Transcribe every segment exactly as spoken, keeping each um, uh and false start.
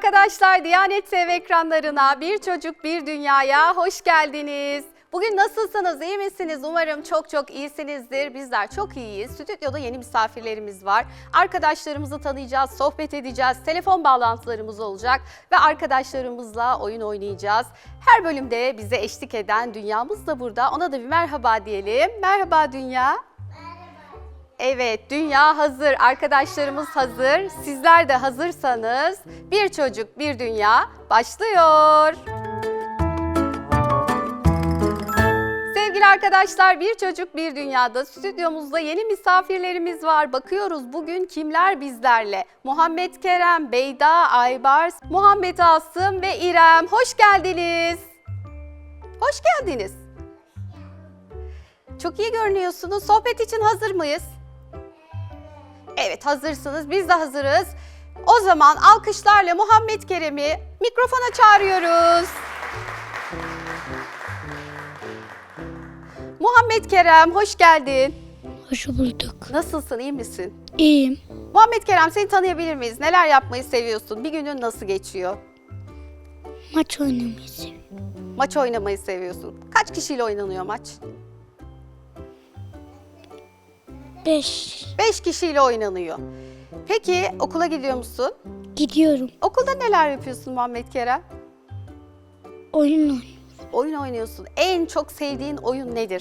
arkadaşlar, Diyanet T V ekranlarına Bir Çocuk Bir Dünya'ya hoş geldiniz. Bugün nasılsınız, iyi misiniz? Umarım çok çok iyisinizdir. Bizler çok iyiyiz. Stüdyoda yeni misafirlerimiz var. Arkadaşlarımızı tanıyacağız, sohbet edeceğiz. Telefon bağlantılarımız olacak ve arkadaşlarımızla oyun oynayacağız. Her bölümde bize eşlik eden Dünyamız da burada. Ona da bir merhaba diyelim. Merhaba Dünya. Evet, dünya hazır, arkadaşlarımız hazır, sizler de hazırsanız Bir Çocuk Bir Dünya başlıyor. Sevgili arkadaşlar, Bir Çocuk Bir Dünya'da stüdyomuzda yeni misafirlerimiz var. Bakıyoruz bugün kimler bizlerle? Muhammed Kerem, Beyda, Aybars, Muhammed Asım ve İrem. Hoş geldiniz. Hoş geldiniz. Çok iyi görünüyorsunuz. Sohbet için hazır mıyız? Evet, hazırsınız. Biz de hazırız. O zaman alkışlarla Muhammed Kerem'i mikrofona çağırıyoruz. Muhammed Kerem, hoş geldin. Hoş bulduk. Nasılsın, iyi misin? İyiyim. Muhammed Kerem, seni tanıyabilir miyiz? Neler yapmayı seviyorsun? Bir günün nasıl geçiyor? Maç oynamayı seviyorum. Maç oynamayı seviyorsun. Kaç kişiyle oynanıyor maç? Beş. Beş kişiyle oynanıyor. Peki okula gidiyor musun? Gidiyorum. Okulda neler yapıyorsun Muhammed Kerem? Oyun oynuyorum. Oyun oynuyorsun. En çok sevdiğin oyun nedir?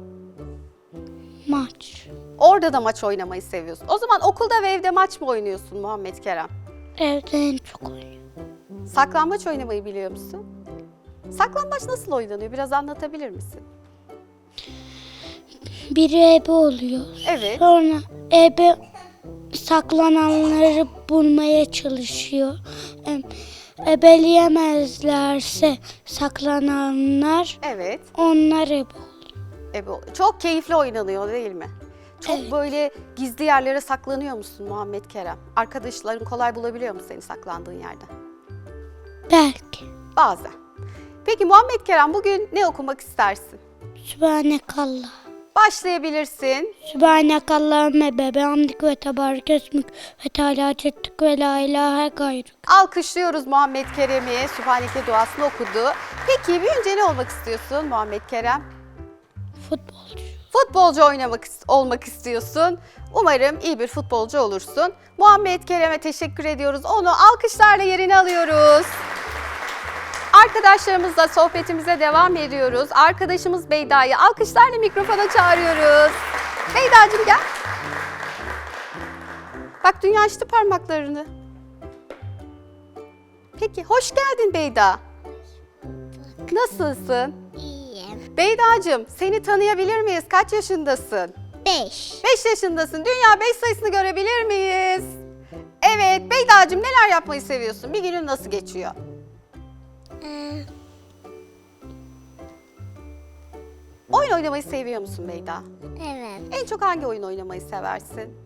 Maç. Orada da maç oynamayı seviyorsun. O zaman okulda ve evde maç mı oynuyorsun Muhammed Kerem? Evde en çok oynuyorum. Saklambaç oynamayı biliyor musun? Saklambaç nasıl oynanıyor? Biraz anlatabilir misin? Biri ebe oluyor. Evet. Sonra ebe saklananları bulmaya çalışıyor. Em, Ebeleyemezlerse saklananlar Evet. onlar ebe oluyor. E bu çok keyifli oynanıyor değil mi? Çok Evet. böyle gizli yerlere saklanıyor musun Muhammed Kerem? Arkadaşların kolay bulabiliyor mu seni saklandığın yerden? Belki. Bazen. Peki Muhammed Kerem, bugün ne okumak istersin? Sübhanekallah. Başlayabilirsin. Sübhanekallahümme ve bihamdik ve tebarek esmük ve teala cettik ve la ilahe gayruk. Alkışlıyoruz Muhammed Kerem'i. Sübhaneke duasını okudu. Peki büyüyünce ne olmak istiyorsun Muhammed Kerem? Futbolcu. Futbolcu oynamak olmak istiyorsun. Umarım iyi bir futbolcu olursun. Muhammed Kerem'e teşekkür ediyoruz. Onu alkışlarla yerine alıyoruz. Arkadaşlarımızla sohbetimize devam ediyoruz. Arkadaşımız Beyda'yı alkışlarla mikrofona çağırıyoruz. Beyda'cığım gel. Bak, Dünya açtı parmaklarını. Peki, hoş geldin Beyda. Nasılsın? İyiyim. Beyda'cığım, seni tanıyabilir miyiz? Kaç yaşındasın? Beş. beş yaşındasın. Dünya beş sayısını görebilir miyiz? Evet, Beyda'cığım neler yapmayı seviyorsun? Bir günün nasıl geçiyor? Ee, Oyun oynamayı seviyor musun Beyda? evet. En çok hangi oyun oynamayı seversin?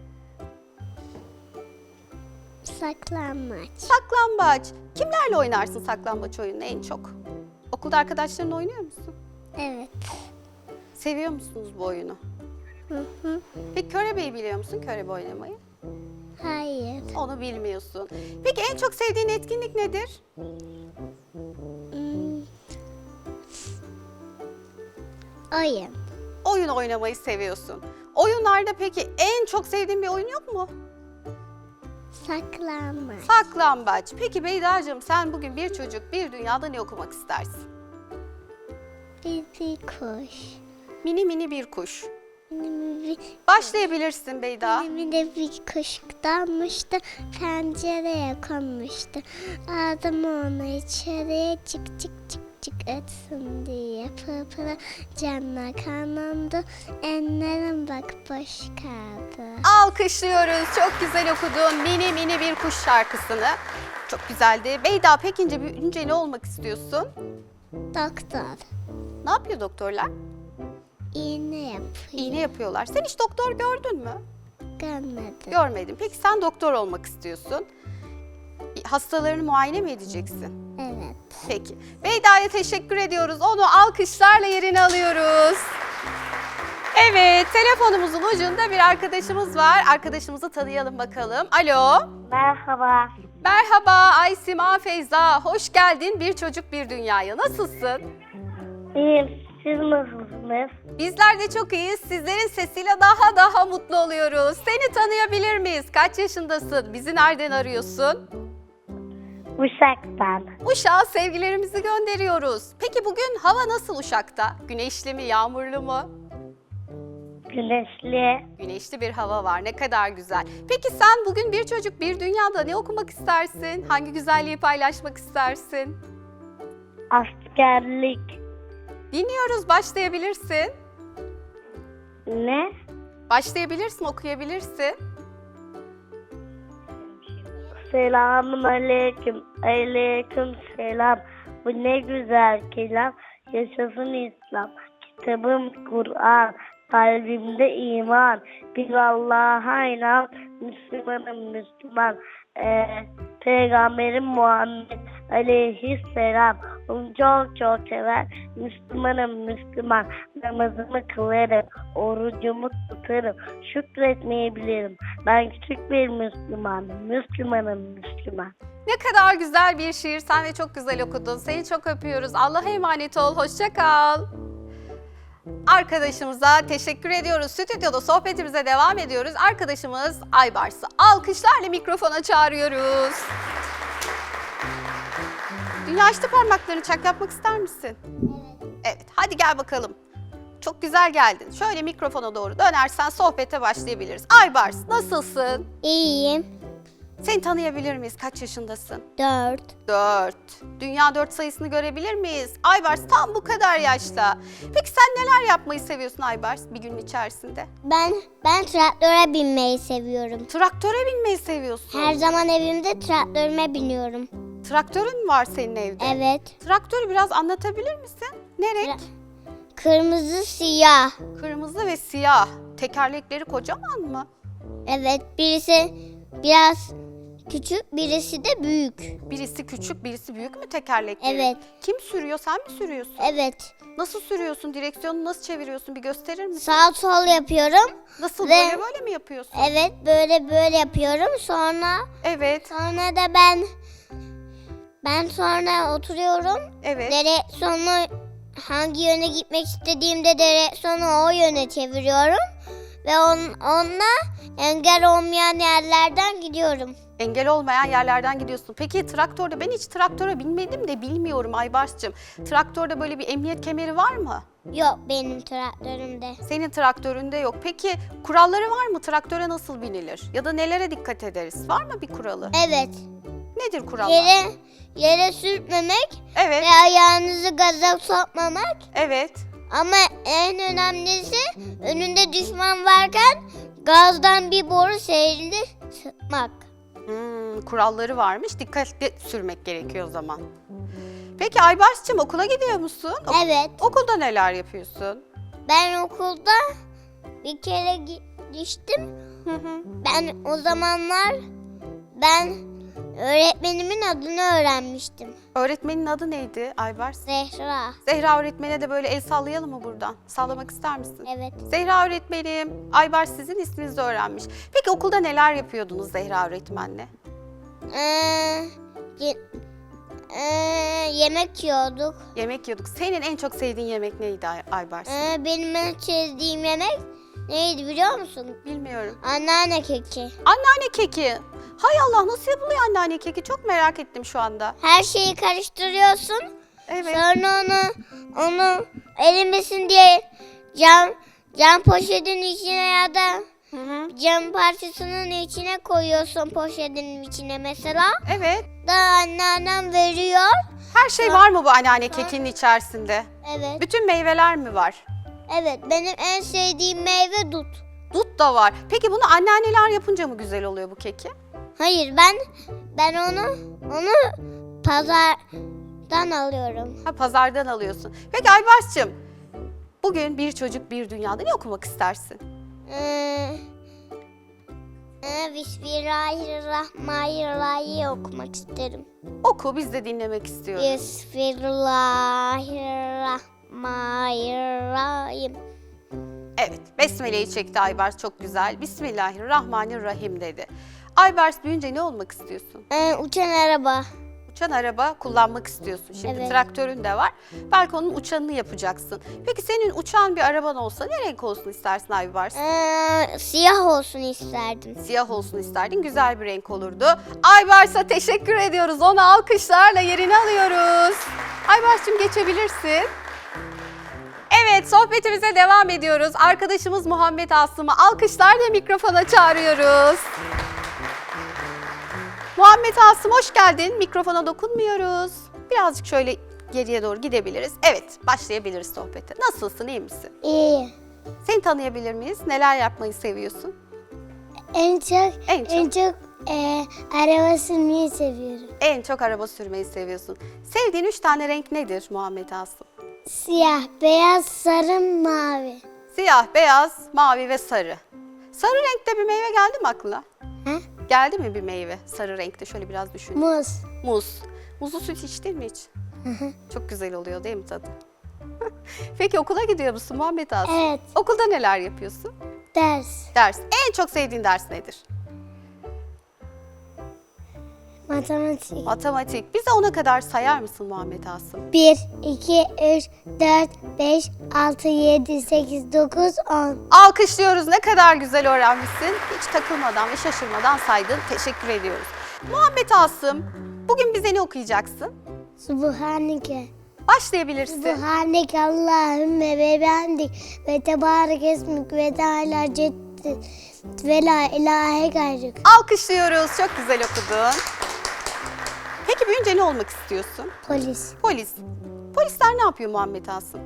Saklanmaç. Saklambaç. Kimlerle oynarsın saklambaç oyununu en çok? Okulda arkadaşlarınla oynuyor musun? Evet. Seviyor musunuz bu oyunu? Hı hı. Peki körebeyi biliyor musun, körebe oynamayı? Hayır. Onu bilmiyorsun. Peki en çok sevdiğin etkinlik nedir? Hmm. Oyun. Oyun oynamayı seviyorsun. Oyunlarda peki en çok sevdiğin bir oyun yok mu? Saklanmaç. Saklambaç. Peki Beyda'cığım, sen bugün Bir Çocuk Bir Dünya'da ne okumak istersin? Bizi kuş. Mini mini bir kuş. Benim bir, Başlayabilirsin Beyda. benim de bir kuş dalmıştı. Pencereye konmuştu. Aldım onu içeriye çık çık çık çık etsin diye. Pırpıra canla kanandı. Enlerim bak boş kaldı. Alkışlıyoruz. Çok güzel okudun Mini Mini Bir Kuş şarkısını. Çok güzeldi. Beyda, peki büyüyünce ne olmak istiyorsun? Doktor. Ne yapıyor doktorlar? İğne yapıyor. İğne yapıyorlar. Sen hiç doktor gördün mü? Görmedim. Görmedim. Peki sen doktor olmak istiyorsun. Hastalarını muayene mi edeceksin? Evet. Peki. Beyda'ya teşekkür ediyoruz. Onu alkışlarla yerine alıyoruz. Evet, telefonumuzun ucunda bir arkadaşımız var. Arkadaşımızı tanıyalım bakalım. Alo. Merhaba. Merhaba Aysima Feyza. Hoş geldin Bir Çocuk Bir Dünyaya. Nasılsın? İyiyim. Siz nasılsınız? Bizler de çok iyiyiz. Sizlerin sesiyle daha daha mutlu oluyoruz. Seni tanıyabilir miyiz? Kaç yaşındasın? Bizi nereden arıyorsun? Uşak'tan. Uşak'a sevgilerimizi gönderiyoruz. Peki bugün hava nasıl Uşak'ta? Güneşli mi, yağmurlu mu? Güneşli. Güneşli bir hava var. Ne kadar güzel. Peki sen bugün Bir Çocuk Bir Dünyada ne okumak istersin? Hangi güzelliği paylaşmak istersin? Askerlik. Dinliyoruz, başlayabilirsin. Ne? Başlayabilirsin, okuyabilirsin. Selamun aleyküm. Aleyküm selam. Bu ne güzel kelam. Yaşasın İslam. Kitabım Kur'an. Kalbimde iman. Bir Allah'a inan. Müslümanım Müslüman. Ee, Peygamberim Muhammed Aleyhisselam. Onu çok çok sever. Müslümanım Müslüman. Namazımı kılarım. Orucumu tutarım. Şükretmeyi bilirim. Ben küçük bir Müslümanım. Müslümanım Müslüman. Ne kadar güzel bir şiir. Sen de çok güzel okudun. Seni çok öpüyoruz. Allah'a emanet ol. Hoşça kal. Arkadaşımıza teşekkür ediyoruz. Stüdyoda sohbetimize devam ediyoruz. Arkadaşımız Aybars'ı alkışlarla mikrofona çağırıyoruz. Dünya açtı parmaklarını, çak yapmak ister misin? Evet. Evet, hadi gel bakalım. Çok güzel geldin. Şöyle mikrofona doğru dönersen sohbete başlayabiliriz. Aybars, nasılsın? İyiyim. Seni tanıyabilir miyiz? Kaç yaşındasın? Dört. Dört. Dünya dört sayısını görebilir miyiz? Aybars tam bu kadar yaşta. Peki sen neler yapmayı seviyorsun Aybars bir günün içerisinde? Ben ben traktöre binmeyi seviyorum. Traktöre binmeyi seviyorsun. Her zaman evimde traktörüme biniyorum. Traktörün var senin evde. Evet. Traktörü biraz anlatabilir misin? Ne renk? Kırmızı, siyah. Kırmızı ve siyah. Tekerlekleri kocaman mı? Evet, birisi biraz küçük, birisi de büyük. Birisi küçük, birisi büyük mü tekerlekleri? Evet. Kim sürüyor? Sen mi sürüyorsun? Evet. Nasıl sürüyorsun? Direksiyonu nasıl çeviriyorsun? Bir gösterir misin? Sağ sol yapıyorum. Nasıl Ve- böyle böyle mi yapıyorsun? Evet, böyle böyle yapıyorum. Sonra Evet. sonra da ben ben sonra oturuyorum. Evet. Direksiyonu hangi yöne gitmek istediğimde direksiyonu o yöne çeviriyorum. Ve on, onunla engel olmayan yerlerden gidiyorum. Engel olmayan yerlerden gidiyorsun. Peki traktörde, ben hiç traktöre binmedim de bilmiyorum Aybars'cığım. Traktörde böyle bir emniyet kemeri var mı? Yok benim traktörümde. Senin traktöründe yok. Peki kuralları var mı? Traktöre nasıl binilir? Ya da nelere dikkat ederiz? Var mı bir kuralı? Evet. Nedir kurallar? Yere yere sürtmemek Evet, ve ayağınızı gaza sokmamak. evet. Ama en önemlisi önünde düşman varken gazdan bir boru seyirli sıkmak. Hmm, kuralları varmış. Dikkatli sürmek gerekiyor o zaman. Peki Aybars'cığım okula gidiyor musun? Ok- Evet. Okulda neler yapıyorsun? Ben okulda bir kere gittim. Hı hı. Ben o zamanlar ben öğretmenimin adını öğrenmiştim. Öğretmenin adı neydi Aybars? Zehra. Zehra öğretmene de böyle el sallayalım mı buradan? Sallamak ister misin? Evet. Zehra öğretmenim, Aybars sizin isminizi öğrenmiş. Peki okulda neler yapıyordunuz Zehra öğretmenle? Ee, ye- ee, yemek yiyorduk. Yemek yiyorduk. Senin en çok sevdiğin yemek neydi Ay- Aybars? Ee, benim en sevdiğim yemek neydi biliyor musun? Bilmiyorum. Anneanne keki. Anneanne keki. Hay Allah, nasıl yapılıyor anneanne keki? Çok merak ettim şu anda. Her şeyi karıştırıyorsun. Evet. Sonra onu onu erimesin diye cam cam poşetin içine ya da Hı hı. cam parçasının içine koyuyorsun poşetin içine mesela. Evet. Da anneannem veriyor. Her şey var mı bu anneanne kekinin içerisinde? Evet. Bütün meyveler mi var? Evet benim en sevdiğim meyve dut. Dut da var. Peki bunu anneanneler yapınca mı güzel oluyor bu keki? Hayır ben ben onu onu pazardan alıyorum. Ha, pazardan alıyorsun. Peki Aybars'cığım, bugün Bir Çocuk Bir Dünyada ne okumak istersin? Ee, e, Bismillahirrahmanirrahim okumak isterim. Oku, biz de dinlemek istiyoruz. Bismillahirrahmanirrahim. Evet, Besmele'yi çekti Aybars, çok güzel. Bismillahirrahmanirrahim dedi. Aybars büyüyünce ne olmak istiyorsun? Ee, uçan araba. Uçan araba kullanmak istiyorsun. Şimdi Evet. traktörün de var. Belki onun uçanını yapacaksın. Peki senin uçan bir araban olsa ne renk olsun istersin Aybars? Ee, siyah olsun isterdim. Siyah olsun isterdin. Güzel bir renk olurdu. Aybars'a teşekkür ediyoruz. Onu alkışlarla yerine alıyoruz. Aybars'cığım geçebilirsin. Evet, sohbetimize devam ediyoruz. Arkadaşımız Muhammed Asım'ı alkışlarla mikrofona çağırıyoruz. Muhammed Asım hoş geldin. Mikrofona dokunmuyoruz. Birazcık şöyle geriye doğru gidebiliriz. Evet, başlayabiliriz sohbete. Nasılsın, iyi misin? İyi. Seni tanıyabilir miyiz? Neler yapmayı seviyorsun? En çok En çok? en çok e, araba sürmeyi seviyorum. En çok araba sürmeyi seviyorsun. Sevdiğin üç tane renk nedir Muhammed Asım? Siyah, beyaz, sarı, mavi. Siyah, beyaz, mavi ve sarı. Sarı renkte bir meyve geldi mi aklına? Ha? Geldi mi bir meyve sarı renkte? Şöyle biraz düşün. Muz. Muz. Muzlu süt içtin mi hiç? Çok güzel oluyor değil mi tadı? Peki okula gidiyor musun Muhammed Asım? Evet. Okulda neler yapıyorsun? Ders. Ders. En çok sevdiğin ders nedir? Matematik. Matematik. Bize ona kadar sayar mısın Muhammed Asım? bir, iki, üç, dört, beş, altı, yedi, sekiz, dokuz, on. Alkışlıyoruz. Ne kadar güzel öğrenmişsin. Hiç takılmadan ve şaşırmadan saydın. Teşekkür ediyoruz. Muhammed Asım, bugün bize ne okuyacaksın? Subhaneke. Başlayabilirsin. Subhaneke Allahümme ve bihamdik ve tebarek esmik ve teala ceddi ve la ilahe gayrık. Alkışlıyoruz. Çok güzel okudun. Peki büyüyünce ne olmak istiyorsun? Polis. Polis. Polisler ne yapıyor Muhammed Asım?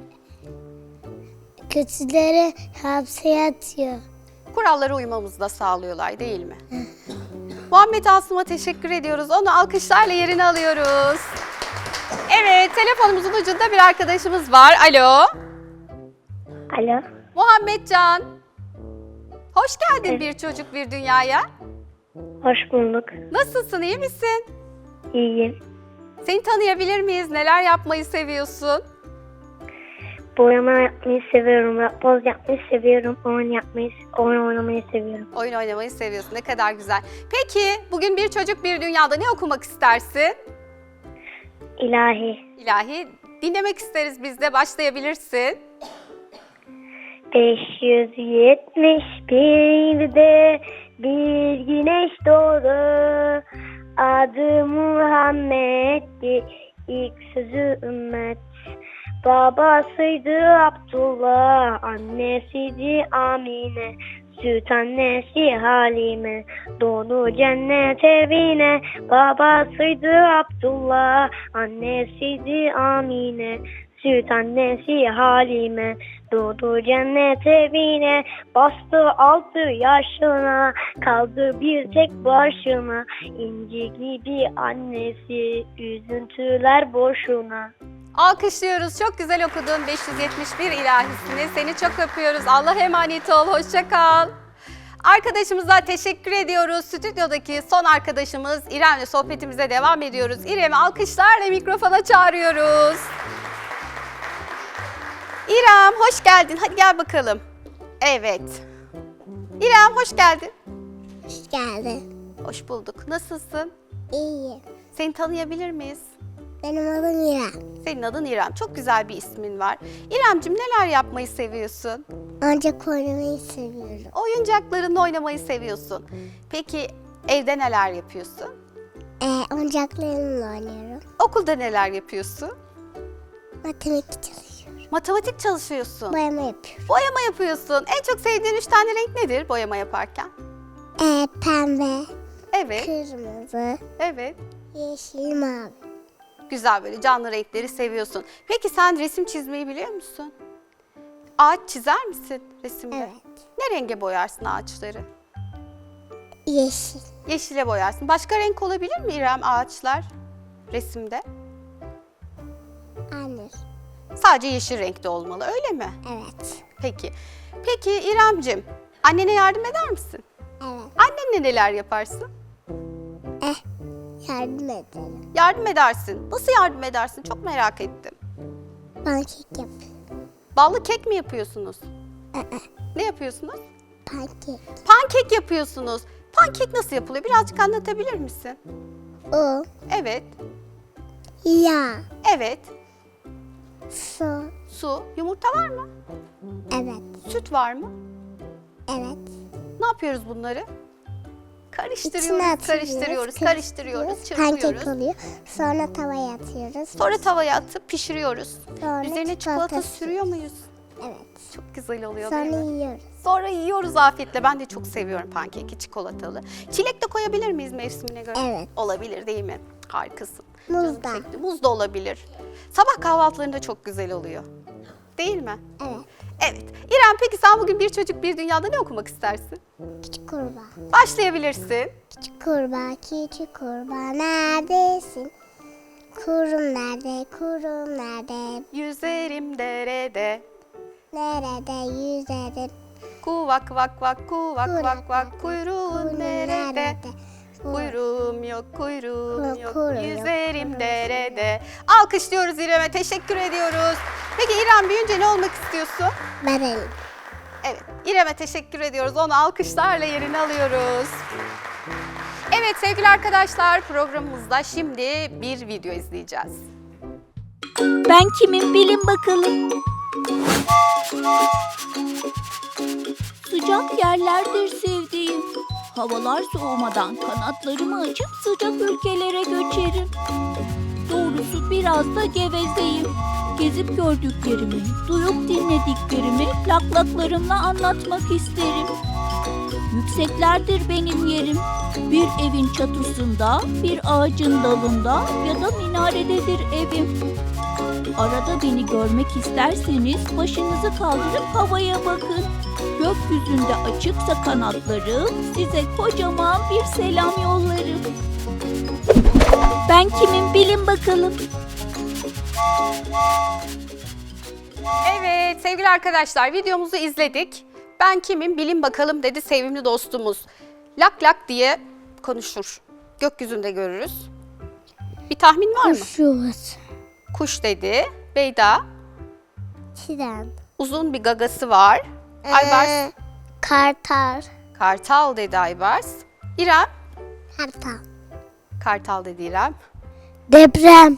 Kötüleri hapse atıyor. Kurallara uymamızı da sağlıyorlar değil mi? Muhammed Asım'a teşekkür ediyoruz. Onu alkışlarla yerine alıyoruz. Evet, telefonumuzun ucunda bir arkadaşımız var. Alo. Alo. Muhammed Can. Hoş geldin bir çocuk bir dünyaya. Hoş bulduk. Nasılsın, iyi misin? İyiyim. Seni tanıyabilir miyiz? Neler yapmayı seviyorsun? Boyama yapmayı seviyorum. Yapboz yapmayı seviyorum. Oyun yapmayı, oyun oynamayı seviyorum. Oyun oynamayı seviyorsun. Ne kadar güzel. Peki, bugün bir çocuk bir dünyada ne okumak istersin? İlahi. İlahi. Dinlemek isteriz biz de. Başlayabilirsin. beş yüz yetmiş birde bir güneş doğdu. Adı Muhammed'di. İlk sözü ümmet. Babasıydı Abdullah, annesiydi Amine, süt annesi Halime, doğdu cennet evine. Babasıydı Abdullah, annesiydi Amine, süt annesi Halime, doğdu cennet evine. Bastı altı yaşına, kaldı bir tek başına, İnci gibi annesi, üzüntüler boşuna. Alkışlıyoruz. Çok güzel okudun beş yüz yetmiş bir ilahisini. Seni çok öpüyoruz. Allah'a emanet ol. Hoşça kal. Arkadaşımıza teşekkür ediyoruz. Stüdyodaki son arkadaşımız İrem'le sohbetimize devam ediyoruz. İrem'i alkışlarla mikrofona çağırıyoruz. İrem hoş geldin. Hadi gel bakalım. Evet. İrem hoş geldin. Hoş geldin. Hoş bulduk. Nasılsın? İyiyim. Seni tanıyabilir miyiz? Benim adım İrem. Senin adın İrem. Çok güzel bir ismin var. İremcim neler yapmayı seviyorsun? Ancak oynamayı seviyorum. Oyuncaklarınla oynamayı seviyorsun. Peki evde neler yapıyorsun? Ee, oyuncaklarımla oynuyorum. Okulda neler yapıyorsun? Matematik çalışıyorum. Matematik çalışıyorsun. Boyama yapıyorum. Boyama yapıyorsun. En çok sevdiğin üç tane renk nedir boyama yaparken? Ee, pembe, Evet, kırmızı, evet. yeşil, mavi. Güzel böyle canlı renkleri seviyorsun. Peki sen resim çizmeyi biliyor musun? Ağaç çizer misin resimde? Evet. Ne renge boyarsın ağaçları? Yeşil. Yeşile boyarsın. Başka renk olabilir mi İrem ağaçlar resimde? Anne. Sadece yeşil renkte olmalı öyle mi? Evet. Peki. Peki İremcim annene yardım eder misin? Evet. Annenle neler yaparsın? Eh, yardım edelim. Yardım edersin. Nasıl yardım edersin? Çok merak ettim. Ben kek yapıyorum. Ballı kek mi yapıyorsunuz? Ee, Ne yapıyorsunuz? Pankek. Pankek yapıyorsunuz. Pankek nasıl yapılıyor? Birazcık anlatabilir misin? Un, Evet, yağ, evet. su. Su, yumurta var mı? Evet, Süt var mı? evet. Ne yapıyoruz bunları? İçine Karıştırıyoruz, atıyoruz, karıştırıyoruz, karıştırıyoruz, Pankek çırpıyoruz. oluyor. Sonra tavaya atıyoruz. Sonra tavaya atıp pişiriyoruz. Sonra Üzerine çikolata çikolata sürüyor muyuz? Evet. Çok güzel oluyor değil Sonra mi? yiyoruz. Sonra yiyoruz afiyetle. Ben de çok seviyorum pankeki çikolatalı. Çilek de koyabilir miyiz mevsimine göre? Evet. Olabilir değil mi? Harikasın. Muz Canım da. çekti. Muz da olabilir. Sabah kahvaltılarında çok güzel oluyor. Değil mi? Evet. Evet. İrem, peki sen bugün Bir Çocuk Bir Dünya'da ne okumak istersin? Küçük kurbağa. Başlayabilirsin. Küçük kurbağa, küçük kurbağa neredesin? Kurum nerede, kurum nerede? Yüzerim derede. Nerede yüzerim? Kuvak vak vak kuvak Kuyruğu vak vak kuyruğun Kurum nerede? Kuyruğu- Kuyruğum yok, kuyruğum Kuyruğu yok, yok, yüzerim kuyruğum derede. Alkışlıyoruz İrem'e, teşekkür ediyoruz. Peki İrem, büyüyünce ne olmak istiyorsun? Barın. Evet, İrem'e teşekkür ediyoruz. Onu alkışlarla yerine alıyoruz. Evet sevgili arkadaşlar, programımızda şimdi bir video izleyeceğiz. Ben kimim bilin bakalım. Sıcak yerlerdir sevdiğim. Havalar soğumadan kanatlarımı açıp sıcak ülkelere göçerim. Doğrusu biraz da gevezeyim. Gezip gördüklerimi, duyup dinlediklerimi laklaklarımla anlatmak isterim. Yükseklerdir benim yerim. Bir evin çatısında, bir ağacın dalında ya da minarededir evim. Arada beni görmek isterseniz başınızı kaldırıp havaya bakın. Gökyüzünde açıksa kanatlarım, size kocaman bir selam yollarım. Ben kimim bilin bakalım. Evet sevgili arkadaşlar, videomuzu izledik. Ben kimim bilin bakalım dedi sevimli dostumuz. Lak lak diye konuşur. Gökyüzünde görürüz. Bir tahmin var mı? Kuşuz. Kuş dedi. Beyda, Tren. uzun bir gagası var. Aybars, Ee, Kartal. kartal dedi Aybars. İrem, Kartal. kartal dedi İrem. Deprem.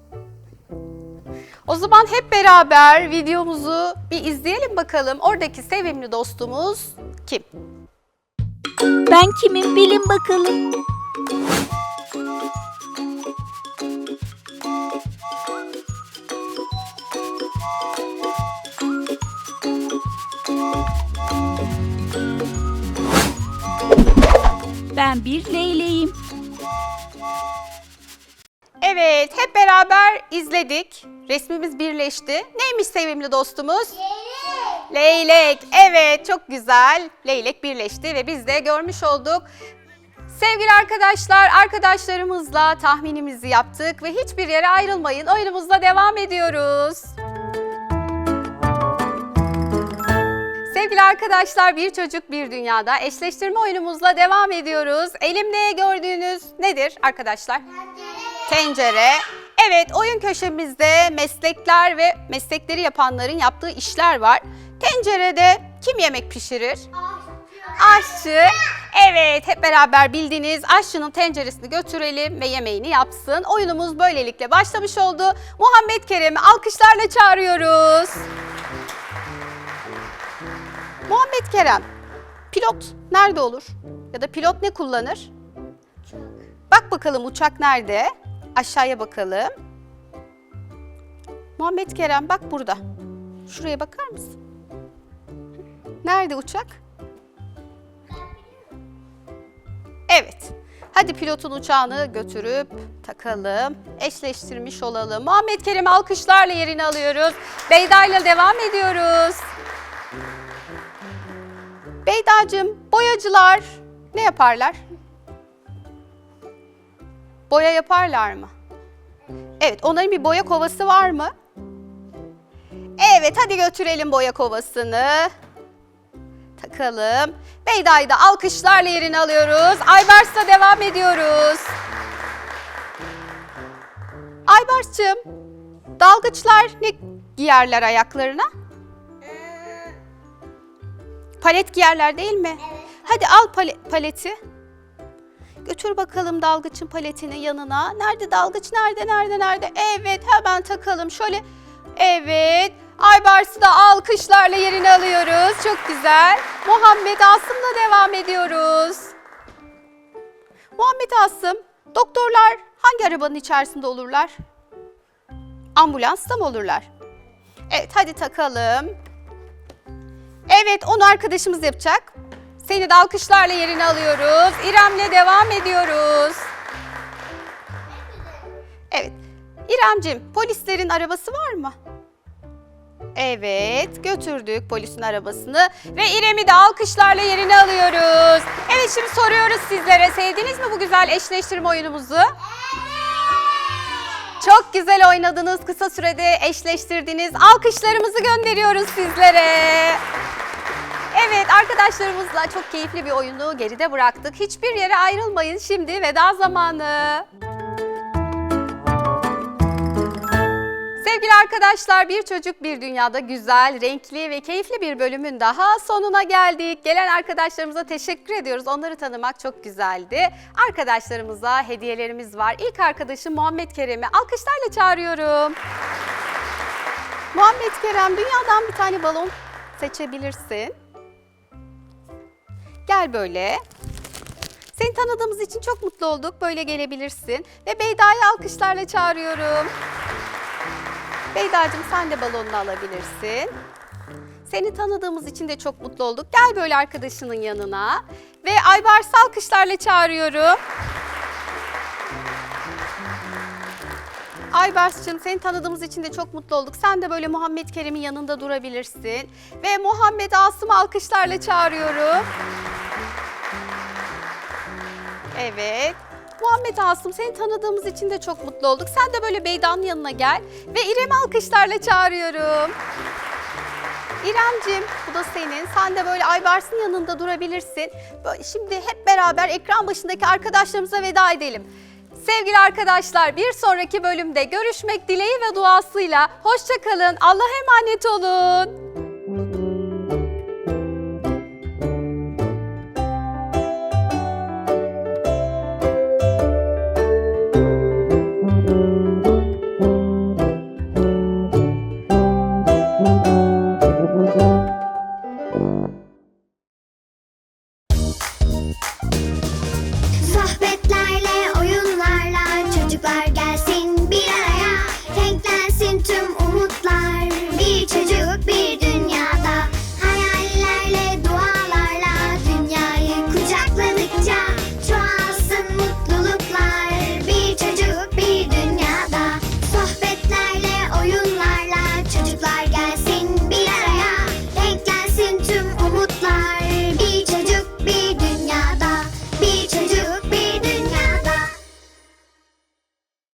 O zaman hep beraber videomuzu bir izleyelim bakalım. Oradaki sevimli dostumuz kim? Ben kimim bilin bakalım. Ben bir leyleğim. Evet, hep beraber izledik. Resmimiz birleşti. Neymiş sevimli dostumuz? Leylek. Leylek. Evet, çok güzel. Leylek birleşti ve biz de görmüş olduk. Sevgili arkadaşlar, arkadaşlarımızla tahminimizi yaptık ve hiçbir yere ayrılmayın. Oyunumuzla devam ediyoruz. Sevgili arkadaşlar, Bir Çocuk Bir Dünya'da eşleştirme oyunumuzla devam ediyoruz. Elimde gördüğünüz nedir arkadaşlar? Tencere. Evet, oyun köşemizde meslekler ve meslekleri yapanların yaptığı işler var. Tencerede kim yemek pişirir? Aşçı. Aşçı. Evet, hep beraber bildiğiniz aşçının tenceresini götürelim ve yemeğini yapsın. Oyunumuz böylelikle başlamış oldu. Muhammed Kerem'i alkışlarla çağırıyoruz. Muhammed Kerem, pilot nerede olur? Ya da pilot ne kullanır? Bak bakalım uçak nerede? Aşağıya bakalım. Muhammed Kerem bak burada. Şuraya bakar mısın? Nerede uçak? Evet. Hadi pilotun uçağını götürüp takalım. Eşleştirmiş olalım. Muhammed Kerem'i alkışlarla yerine alıyoruz. Beyda ile devam ediyoruz. Beydacığım, boyacılar ne yaparlar? Boya yaparlar mı? Evet, onların bir boya kovası var mı? Evet, hadi götürelim boya kovasını. Takalım. Beyda'yı da alkışlarla yerine alıyoruz. Aybars'la devam ediyoruz. Aybars'cığım, dalgıçlar ne giyerler ayaklarına? Palet giyerler değil mi? Evet. Hadi al pale- paleti. Götür bakalım dalgıçın paletini yanına. Nerede dalgıç? Nerede, nerede, nerede? Evet, hemen takalım. Şöyle, evet. Aybars'ı da alkışlarla yerine alıyoruz. Çok güzel. Muhammed Asım'la devam ediyoruz. Muhammed Asım, doktorlar hangi arabanın içerisinde olurlar? Ambulansta mı olurlar? Evet, hadi takalım. Evet, onu arkadaşımız yapacak. Seni de alkışlarla yerine alıyoruz. İrem'le devam ediyoruz. Evet. İremcim, polislerin arabası var mı? Evet, götürdük polisin arabasını ve İrem'i de alkışlarla yerine alıyoruz. Evet, şimdi soruyoruz sizlere. Sevdiniz mi bu güzel eşleştirme oyunumuzu? Çok güzel oynadınız, kısa sürede eşleştirdiniz. Alkışlarımızı gönderiyoruz sizlere. Evet, arkadaşlarımızla çok keyifli bir oyunu geride bıraktık. Hiçbir yere ayrılmayın, şimdi veda zamanı. Sevgili arkadaşlar, Bir Çocuk Bir Dünya'da güzel, renkli ve keyifli bir bölümün daha sonuna geldik. Gelen arkadaşlarımıza teşekkür ediyoruz. Onları tanımak çok güzeldi. Arkadaşlarımıza hediyelerimiz var. İlk arkadaşım Muhammed Kerem'i alkışlarla çağırıyorum. Muhammed Kerem, dünyadan bir tane balon seçebilirsin. Gel böyle. Seni tanıdığımız için çok mutlu olduk. Böyle gelebilirsin. Ve Beyda'yı alkışlarla çağırıyorum. Beyda'cığım, sen de balonunu alabilirsin. Seni tanıdığımız için de çok mutlu olduk. Gel böyle arkadaşının yanına. Ve Aybars'ı alkışlarla çağırıyorum. Aybars'cığım, seni tanıdığımız için de çok mutlu olduk. Sen de böyle Muhammed Kerem'in yanında durabilirsin. Ve Muhammed Asım'ı alkışlarla çağırıyorum. Evet. Muhammed Asım, seni tanıdığımız için de çok mutlu olduk. Sen de böyle Beyda'nın yanına gel. Ve İrem'i alkışlarla çağırıyorum. İremciğim, bu da senin. Sen de böyle Aybars'ın yanında durabilirsin. Böyle şimdi hep beraber ekran başındaki arkadaşlarımıza veda edelim. Sevgili arkadaşlar, bir sonraki bölümde görüşmek dileği ve duasıyla. Hoşça kalın, Allah'a emanet olun.